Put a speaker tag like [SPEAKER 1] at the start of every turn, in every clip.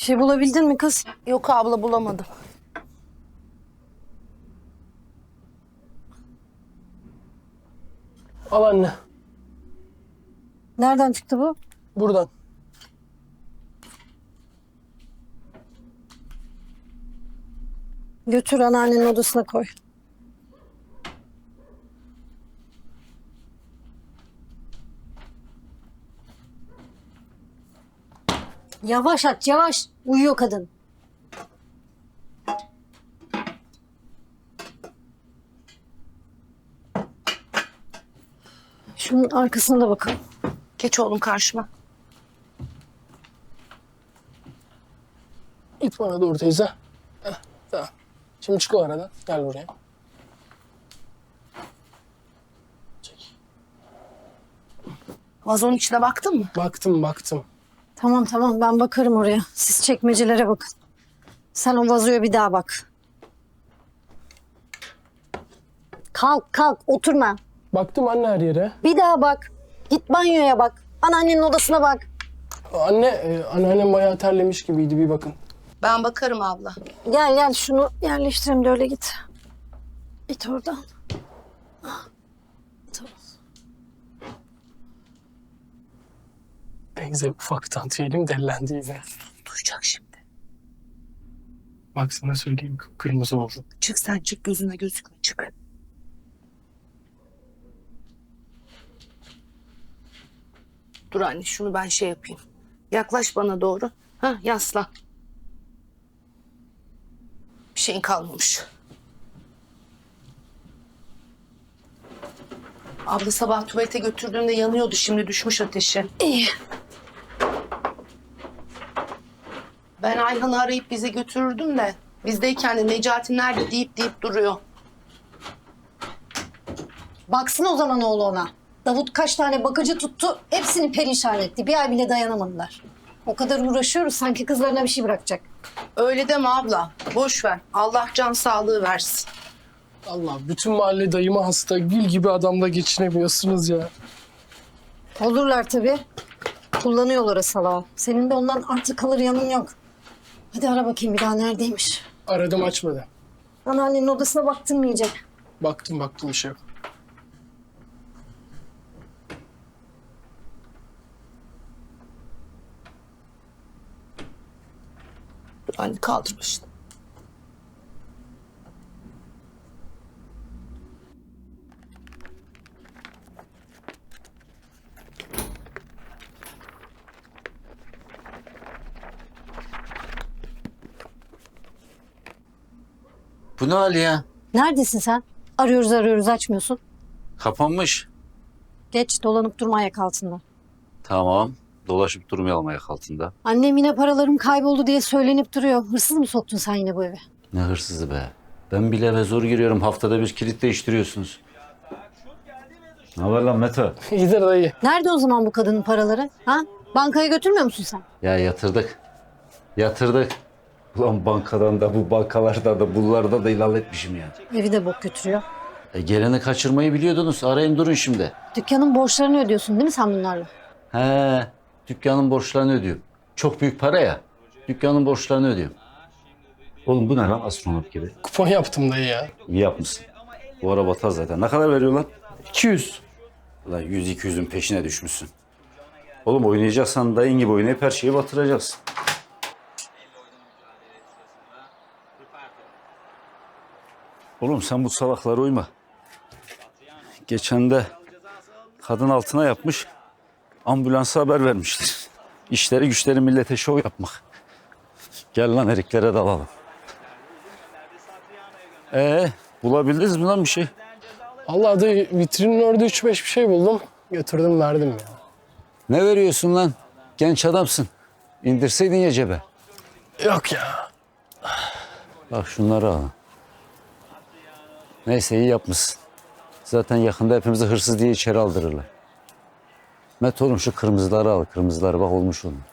[SPEAKER 1] şey bulabildin mi kız?
[SPEAKER 2] Yok abla, bulamadım.
[SPEAKER 3] Al anne.
[SPEAKER 1] Nereden çıktı bu?
[SPEAKER 3] Buradan.
[SPEAKER 1] Götür anneannenin odasına koy. Yavaş aç, yavaş. Uyuyor kadın. Şunun arkasına da bakalım.
[SPEAKER 2] Geç oğlum karşıma.
[SPEAKER 3] İt bana doğru teyze. Heh, tamam. Şimdi çık o aradan. Gel buraya. Çek.
[SPEAKER 2] Vazonun içine baktın mı?
[SPEAKER 3] Baktım.
[SPEAKER 1] Tamam tamam ben bakarım oraya. Siz çekmecelere bakın. Sen o vazoya bir daha bak. Kalk oturma.
[SPEAKER 3] Baktım anne her yere.
[SPEAKER 1] Bir daha bak. Git banyoya bak. Anneannenin odasına bak.
[SPEAKER 3] Anne, anneannem bayağı terlemiş gibiydi. Bir bakın.
[SPEAKER 2] Ben bakarım abla.
[SPEAKER 1] Gel şunu yerleştirelim de öyle git. Git oradan. Tamam.
[SPEAKER 3] Teyze ufaktan tüyelim dellendi yine.
[SPEAKER 2] Duyacak şimdi.
[SPEAKER 3] Bak sana söyleyeyim, kırmızı oldu.
[SPEAKER 2] Çık sen, çık, gözüne gözükme, çık. Dur anne, şunu ben şey yapayım. Yaklaş bana doğru. Ha, yaslan. Bir şeyin kalmamış. Abla sabah tuvalete götürdüğümde yanıyordu. Şimdi düşmüş ateşi.
[SPEAKER 1] İyi.
[SPEAKER 2] Ben Ayhan'ı arayıp bize götürürdüm de bizdeyken de Necati nerede deyip duruyor.
[SPEAKER 1] Baksın o zaman oğlu ona. Davut kaç tane bakıcı tuttu. Hepsini perişan etti. Bir ay bile dayanamadılar. O kadar uğraşıyoruz sanki kızlarına bir şey bırakacak.
[SPEAKER 2] Öyle deme abla. Boş ver. Allah can sağlığı versin.
[SPEAKER 3] Allah, bütün mahalle dayıma hasta. Gül gibi adamla geçinemiyorsunuz ya.
[SPEAKER 1] Olurlar tabii. Kullanıyorlar o salağı. Senin de ondan artık kalır yanın yok. Hadi ara bakayım bir daha neredeymiş.
[SPEAKER 3] Aradım, açmadı.
[SPEAKER 1] Anneannenin odasına baktın mı iyice?
[SPEAKER 3] Baktım bir şey yok.
[SPEAKER 2] Dur anne, kaldır başını.
[SPEAKER 4] Bu ne hali ya?
[SPEAKER 1] Neredesin sen? Arıyoruz açmıyorsun.
[SPEAKER 4] Kapanmış.
[SPEAKER 1] Geç dolanıp durma ayak altında.
[SPEAKER 4] Tamam. Dolaşıp durmayalım ayak altında.
[SPEAKER 1] Annem yine paralarım kayboldu diye söylenip duruyor. Hırsız mı soktun sen yine bu eve?
[SPEAKER 4] Ne hırsızı be. Ben bile eve zor giriyorum. Haftada bir kilit değiştiriyorsunuz. Ne haber lan Mete?
[SPEAKER 3] İyidir dayı.
[SPEAKER 1] Nerede o zaman bu kadının paraları? Ha? Bankaya götürmüyor musun sen?
[SPEAKER 4] Ya yatırdık. Ulan bankadan da bu bankalarda da bunlarda da ilal etmişim ya.
[SPEAKER 1] Evi de bok götürüyor.
[SPEAKER 4] Geleni kaçırmayı biliyordunuz. Arayın durun şimdi.
[SPEAKER 1] Dükkanın borçlarını ödüyorsun değil mi sen bunlarla?
[SPEAKER 4] He, dükkanın borçlarını ödüyorum. Çok büyük para ya. Dükkanın borçlarını ödüyorum. Oğlum bu ne lan astronot gibi?
[SPEAKER 3] Kupon yaptım dayı ya.
[SPEAKER 4] İyi yapmışsın. Bu ara batar zaten. Ne kadar veriyor lan?
[SPEAKER 3] 200.
[SPEAKER 4] Ulan 100-200'ün peşine düşmüşsün. Oğlum oynayacaksan dayın gibi oynayıp her şeyi batıracaksın. Oğlum sen bu salaklara uyma. Geçen de kadın altına yapmış, ambulansa haber vermişler. İşleri güçleri millete şov yapmak. Gel lan eriklere dalalım. Bulabildiniz mi lan bir şey?
[SPEAKER 3] Allah dayı, vitrinin orada 3-5 bir şey buldum. Götürdüm verdim ya.
[SPEAKER 4] Ne veriyorsun lan? Genç adamsın. İndirseydin ya cebe.
[SPEAKER 3] Yok ya.
[SPEAKER 4] Bak şunları al. Neyse iyi yapmışsın. Zaten yakında hepimizi hırsız diye içeri aldırırlar. Met oğlum şu kırmızıları al. Kırmızıları bak olmuş onun.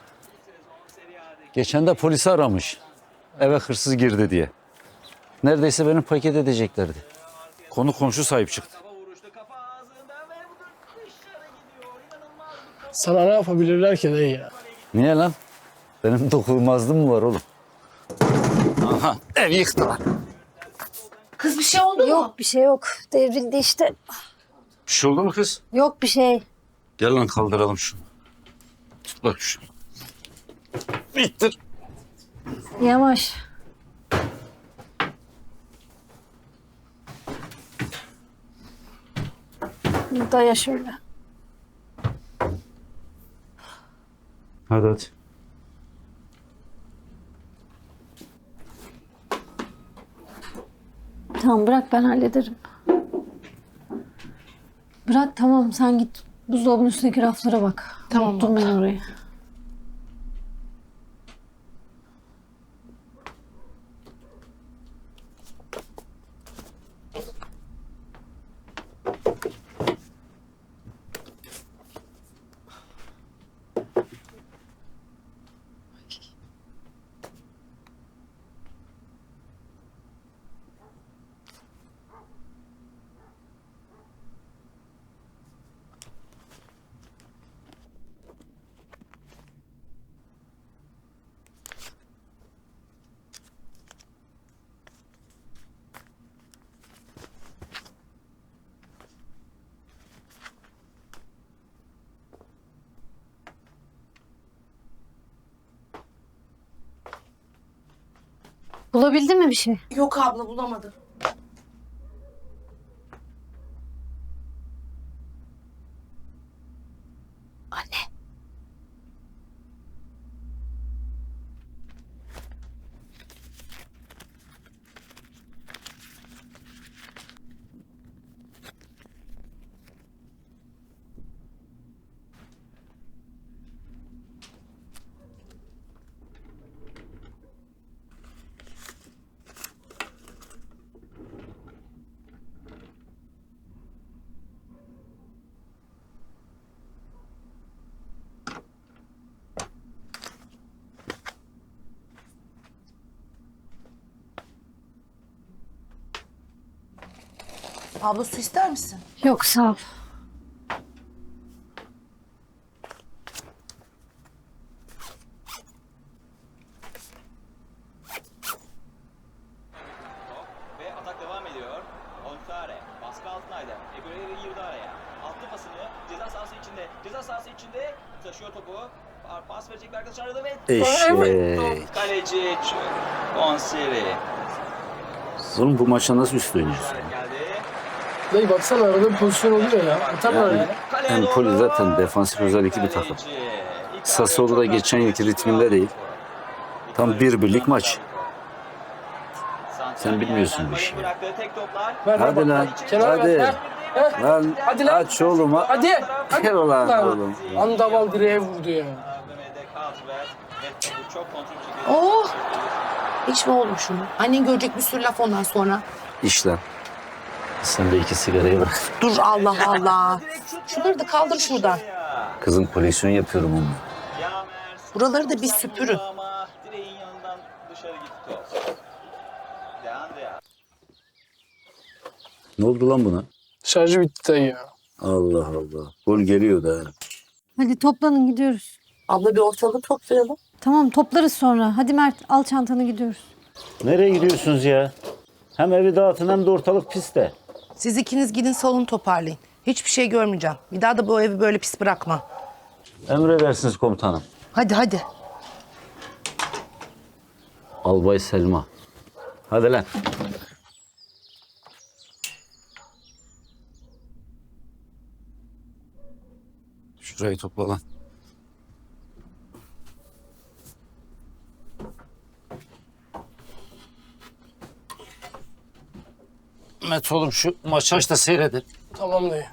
[SPEAKER 4] Geçen de polisi aramış. Eve hırsız girdi diye. Neredeyse beni paket edeceklerdi. Konu komşu sahip çıktı.
[SPEAKER 3] Sana ne yapabilirler ki dayı ya?
[SPEAKER 4] Niye lan? Benim dokunulmazlığım mı var oğlum? Aha, ev yıktılar.
[SPEAKER 2] Kız bir şey oldu mu?
[SPEAKER 1] Yok bir şey yok. Devrildi işte.
[SPEAKER 4] Bir şey oldu mu kız?
[SPEAKER 1] Yok bir şey.
[SPEAKER 4] Gel lan kaldıralım şunu. Tut bak şunu. İttir.
[SPEAKER 1] Yavaş. Daya şöyle.
[SPEAKER 4] Hadi hadi.
[SPEAKER 1] Tamam bırak ben hallederim. Bırak tamam sen git buzdolabının üstündeki raflara bak.
[SPEAKER 2] Tamam,
[SPEAKER 1] Unuttum ben orayı. Bulabildin mi bir şey?
[SPEAKER 2] Yok abla bulamadım.
[SPEAKER 1] Anne.
[SPEAKER 2] Abla su ister misin?
[SPEAKER 1] Yok sağ ol.
[SPEAKER 5] Ve atak devam ediyor. Onsare baskı altındaydı. Eguerre'yi girdi araya. Attı pasını ceza sahası içinde. Ceza sahası içinde taşıyor topu. Pas verecek bir arkadaş aradı ve
[SPEAKER 4] Eşek.
[SPEAKER 5] kaleci Onsare
[SPEAKER 4] Oğlum bu maça nasıl üst oynuyorsun?
[SPEAKER 5] geldi.
[SPEAKER 3] Dayı baksana arada bir pozisyon oluyor ya. Atarlar ya.
[SPEAKER 5] Kaleye
[SPEAKER 4] Empoli
[SPEAKER 5] doğru.
[SPEAKER 4] zaten defansif özellikli bir takım. Sassuolo da geçen yılki ritminde değil. Tam bir birlik maç. Sen bilmiyorsun bu işi.
[SPEAKER 5] Bıraktığı tek toplar.
[SPEAKER 3] Ver,
[SPEAKER 4] Hadi
[SPEAKER 3] bak.
[SPEAKER 4] lan.
[SPEAKER 3] Kenara ver.
[SPEAKER 4] Hadi.
[SPEAKER 3] Ver.
[SPEAKER 4] Lan
[SPEAKER 3] Hadi lan.
[SPEAKER 4] aç oğlum.
[SPEAKER 3] Hadi.
[SPEAKER 4] Gel ulan
[SPEAKER 3] Lan.
[SPEAKER 4] oğlum.
[SPEAKER 3] Andaval direğe vurdu ya.
[SPEAKER 5] Mehmet'e Kaltver ve topu çok kontrol bir şekilde.
[SPEAKER 2] Oh! İçme oğlum şunu. Annen görecek bir sürü laf ondan sonra.
[SPEAKER 4] İşte. Sen de iki sigarayı bırak.
[SPEAKER 2] Dur Allah Allah. Şunları da kaldır şuradan.
[SPEAKER 4] Kızım koleksiyon yapıyorum onunla.
[SPEAKER 2] Buraları da bir süpürün.
[SPEAKER 5] Ama direğin yanından dışarı gitti top. Deandre.
[SPEAKER 4] Ne oldu lan buna?
[SPEAKER 3] Şarjı bitti dayı ya.
[SPEAKER 4] Allah Allah. Gol geliyor da.
[SPEAKER 1] Hadi toplanın gidiyoruz.
[SPEAKER 2] Abla bir ortalığı toplayalım.
[SPEAKER 1] Tamam toplarız sonra. Hadi Mert al çantanı gidiyoruz.
[SPEAKER 4] Nereye gidiyorsunuz ya? Hem evi dağıtın hem de ortalık piste.
[SPEAKER 2] Siz ikiniz gidin salonu toparlayın. Hiçbir şey görmeyeceğim. Bir daha da bu evi böyle pis bırakma.
[SPEAKER 4] Emredersiniz komutanım.
[SPEAKER 2] Hadi hadi.
[SPEAKER 4] Albay Selma. Hadi lan. Şurayı topla lan. Met oğlum şu maçı aç da seyredin.
[SPEAKER 3] Tamam dayı.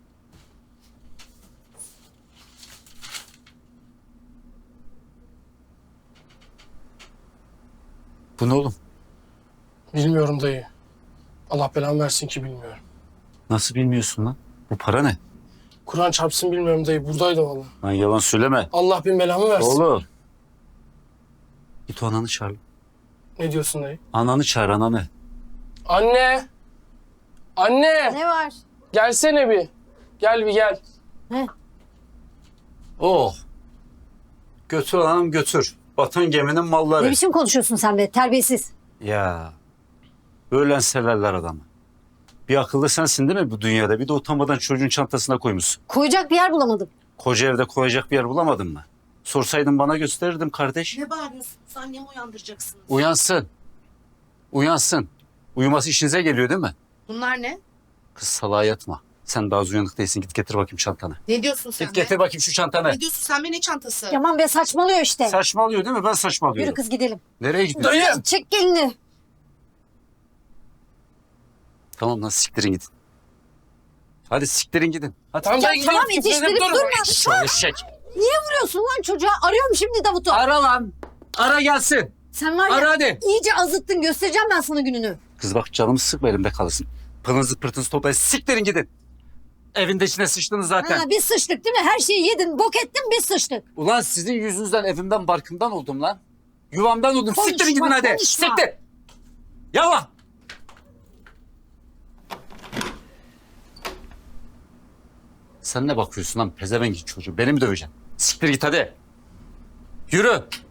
[SPEAKER 4] Bu ne oğlum?
[SPEAKER 3] Bilmiyorum dayı. Allah belamı versin ki bilmiyorum.
[SPEAKER 4] Nasıl bilmiyorsun lan? Bu para ne?
[SPEAKER 3] Kur'an çarpsın bilmiyorum dayı. Buradaydı vallahi.
[SPEAKER 4] Lan yalan söyleme.
[SPEAKER 3] Allah bin belamı versin.
[SPEAKER 4] Oğlum. Git o ananı çağır.
[SPEAKER 3] Ne diyorsun dayı?
[SPEAKER 4] Ananı çağır ananı.
[SPEAKER 3] Anne! Anne!
[SPEAKER 1] Ne var?
[SPEAKER 3] Gelsene bir. Gel bir gel.
[SPEAKER 1] Ne?
[SPEAKER 4] Oh. Götür anam götür. Batan geminin malları.
[SPEAKER 1] Ne biçim konuşuyorsun sen be terbiyesiz.
[SPEAKER 4] Ya öğlen severler adamı. Bir akıllı sensin değil mi bu dünyada? Bir de utanmadan çocuğun çantasına koymuşsun.
[SPEAKER 1] Koyacak bir yer bulamadım.
[SPEAKER 4] Koca evde koyacak bir yer bulamadın mı? Sorsaydın bana gösterirdim kardeş.
[SPEAKER 2] Ne bağırıyorsun? Annemi uyandıracaksınız.
[SPEAKER 4] Uyansın. Uyansın. Uyuması işinize geliyor değil mi?
[SPEAKER 2] Bunlar ne?
[SPEAKER 4] Kız salağa yatma. Sen daha az uyanık değilsin. Git getir bakayım çantanı.
[SPEAKER 2] Ne diyorsun sen
[SPEAKER 4] Git
[SPEAKER 2] be?
[SPEAKER 4] getir bakayım şu çantanı.
[SPEAKER 2] Ne diyorsun sen be, ne çantası?
[SPEAKER 1] Yaman be saçmalıyor işte.
[SPEAKER 4] Saçmalıyor değil mi? Ben saçmalıyorum.
[SPEAKER 1] Yürü kız gidelim.
[SPEAKER 4] Nereye gidiyorsun?
[SPEAKER 3] Dayı!
[SPEAKER 1] Çek gelini.
[SPEAKER 4] Tamam lan siktirin gidin. Hadi siktirin gidin. Hadi.
[SPEAKER 3] Tamam, dayı
[SPEAKER 1] Tamam
[SPEAKER 3] gidiyoruz.
[SPEAKER 1] yetiştirip
[SPEAKER 3] Dur.
[SPEAKER 1] durma.
[SPEAKER 4] Şöyle çek.
[SPEAKER 1] Niye vuruyorsun lan çocuğa? Arıyorum şimdi Davut'u.
[SPEAKER 4] Ara lan. Ara gelsin.
[SPEAKER 1] Sen var ya
[SPEAKER 4] Ara hadi.
[SPEAKER 1] iyice azıttın. Göstereceğim ben sana gününü.
[SPEAKER 4] Kız bak canımı sıkma elimde kalırsın. Pılınızı pırtınızı toplayın. Siktirin gidin. Evinde içine sıçtınız zaten.
[SPEAKER 1] Ha, biz sıçtık değil mi? Her şeyi yedin, bok ettin biz sıçtık.
[SPEAKER 4] Ulan sizin yüzünüzden evimden barkımdan oldum lan. Yuvamdan oldum.
[SPEAKER 1] Konuşma,
[SPEAKER 4] Siktirin gidin hadi.
[SPEAKER 1] konuşma.
[SPEAKER 4] Siktir. Yallah. Sen ne bakıyorsun lan pezevenk çocuğu? Beni mi döveceksin? Siktir git hadi. Yürü.